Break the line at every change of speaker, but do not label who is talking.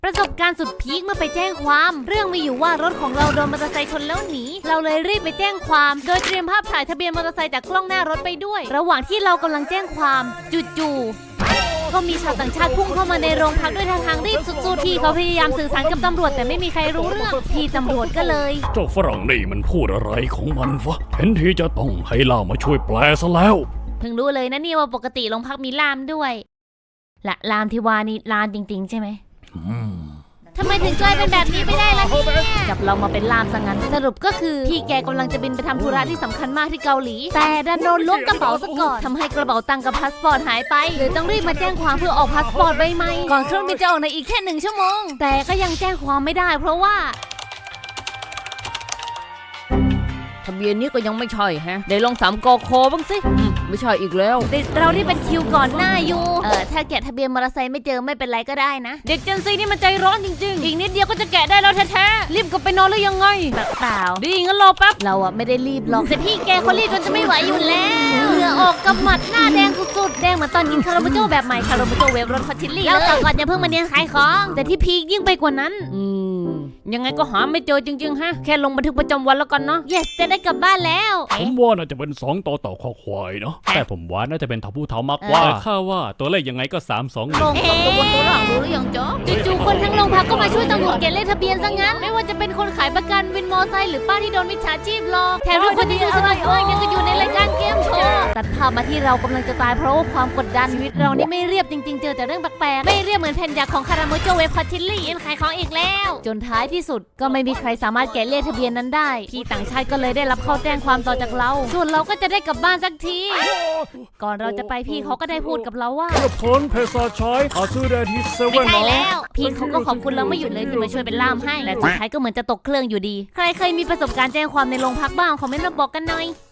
ประสบการณ์สุดพีคเมื่อไปแจ้งความเรื่องมีอยู่ว่ารถของเราโดนมอเตอร์ไซค์ชนแล้วหนีเราเลยรีบไปแจ้งความโดยเตรียมภาพถ่ายทะเบียนมอเตอร์ไซค์จากกล้องหน้ารถไปด้วยระหว่างที่เรากำลังแจ้งความจู่ๆก็มีชาวต่างชาติพุ่งเข้ามาในโรงพักด้วยท่าทางรีบสุดๆที่เขาพยายามสื่อสารกับตำรวจแต่ไม่มีใครรู้เรื่องพี่ตำรวจก็เลย
เจ้าฝรั่งนี่มันพูดอะไรของมันวะเห็นทีจะต้องให้ล่ามมาช่วยแปลซะแล้ว
เพิ่งรู้เลยนะนี่ว่าปกติโรงพักมีล่ามด้วยละล่ามที่ว่านี่ล่ามจริงๆใช่ไหมทำไมถึงกลายเป็นแบบนี้ไม่ได้ล่ะเนี่ยจับเรามาเป็นล่ามซะงั้นสรุปก็คือพี่แกกำลังจะบินไปทำธุระที่สำคัญมากที่เกาหลีแต่ดันโดนล้วงกระเป๋าซะก่อนทำให้กระเป๋าตังค์กับพาสปอร์ตหายไปเลยต้องรีบมาแจ้งความเพื่อออกพาสปอร์ตใบใหม่ก่อนเครื่องบินจะออกในอีกแค่1 ชั่วโมงแต่ก็ยังแจ้งความไม่ได้เพราะว่าทะเบียนนี้ก็ยังไม่ใช่ฮะได้ลอง3 กคบ้างสิไม่ใช่อีกแล้วเด็กเราที่เป็นคิวก่อนหน้าอยู่ถ้าแกะทะเบียนมอเตอร์ไซค์ไม่เจอไม่เป็นไรก็ได้นะเด็กเจนซีนี่มันใจร้อนจริงๆอีกนิดเดียวก็จะแกะได้แล้วแท้ๆรีบกลับไปนอนหรือยังไงเปล่าดีงั้นรอแป๊บเราอะไม่ได้รีบหรอกแต่พี่แกเขารีบจนจะไม่ไหวอยู่แล้วเหงื่อออกกำหมัดหน้าแดงสุดๆแดงเหมือนตอนกินคาราเมโจ้แบบใหม่คาราเมโจ้เวฟรสพัชชิลลี่แล้วต่อก่อนอย่าเพิ่งมาเนียนขายของแต่ที่พีคยิ่งไปกว่านั้นยังไงก็หาไม่เจอจริงๆฮะแค่ลงบันทึกประจำวันแล้วกันเนาะ yes จะได้กลับบ้านแล้ว
ผมว่าน่าจะเป็น2ต่อคอควายเนาะแต่ผมว่าน่าจะเป็นทผู้เท่ามากกว่าข้าว่าตัวเลขยังไงก็3-2
ลงตัวบนตัวหลังรู้หรือยังจ๊อจู่ๆคนทั้งโรงพักก็มาช่วยตำรวจเก็บเลขทะเบียนซะงั้นไม่ว่าจะเป็นคนขายประกันวินมอไซค์หรือป้าที่โดนมิจฉาชีพหลอกแถมทุกคนยังอยู่สนุกมากยังก็อยู่ในรายการเกมโชว์ตัดภาพมาที่เรากำลังจะตายเพราะว่าความกดดันชีวิตเรานี่ไม่เรียบจริงๆเจอแต่เรื่องแปลกๆไม่เรียบเหมือนแผ่นยาของคาราเมโจ้เวฟพัชชิลลี่ขายของอีกแล้วจนท้ายที่สุดก็ไม่มีใครสามารถแกะเลขทะเบียนนั้นได้พี่ต่างชาติก็เลยได้รับเข้าแจ้งความต่อจากเราส่วนเราก็จะได้กลับบ้านสักทีก่อนเราจะไปพี่เขาก็ได้พูดกับเราว่า
เพื่อพ้นเพศชายหาซื้อได้ที่เซเว่น
ไม่ใช่แล้วพี่เขาก็ขอบคุณเราไม่หยุดเลยที่มาช่วยเป็นล่ามให้และสุดท้ายก็เหมือนจะตกเครื่องอยู่ดีใครเคยมีประสบการณ์แจ้งความในโรงพักบ้างคอมเมนต์มาบอกกันหน่อย